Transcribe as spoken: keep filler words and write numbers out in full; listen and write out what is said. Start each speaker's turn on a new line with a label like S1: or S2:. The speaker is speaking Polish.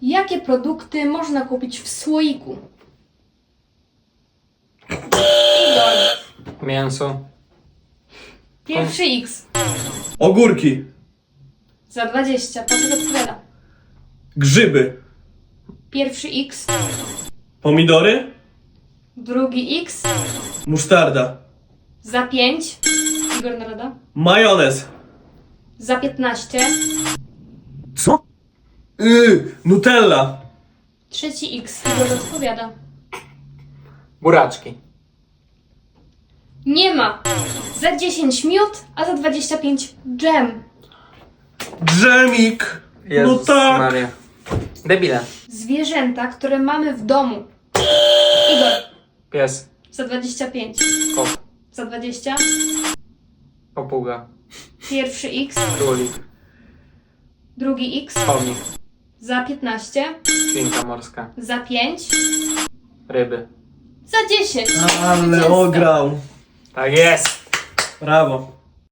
S1: Jakie produkty można kupić w słoiku? Igor.
S2: Mięso.
S1: Pierwszy X.
S3: Ogórki.
S1: Za dwadzieścia. Patryk odpowiada.
S3: Grzyby.
S1: Pierwszy X.
S3: Pomidory.
S1: Drugi X.
S3: Musztarda.
S1: Za pięć. Igor Narada.
S3: Majonez.
S1: Za piętnaście.
S3: Co? Yy, Nutella.
S1: Trzeci X. Igor odpowiada.
S2: Buraczki.
S1: Nie ma. Za dziesięć miód, a za dwadzieścia pięć dżem.
S3: Dżemik.
S2: Jezus
S3: No tak.
S2: Maria. Debile.
S1: Zwierzęta, które mamy w domu. Igor.
S2: Pies.
S1: Za dwadzieścia pięć.
S2: Kot.
S1: Za dwadzieścia.
S2: Papuga.
S1: Pierwszy X.
S2: Królik.
S1: Drugi X.
S2: Chomik.
S1: Za piętnaście.
S2: Świnka morska.
S1: Za pięć.
S2: Ryby.
S1: Za dziesięć.
S3: Ale
S1: Zwycięzca.
S3: ograł.
S2: Tak jest!
S3: Brawo.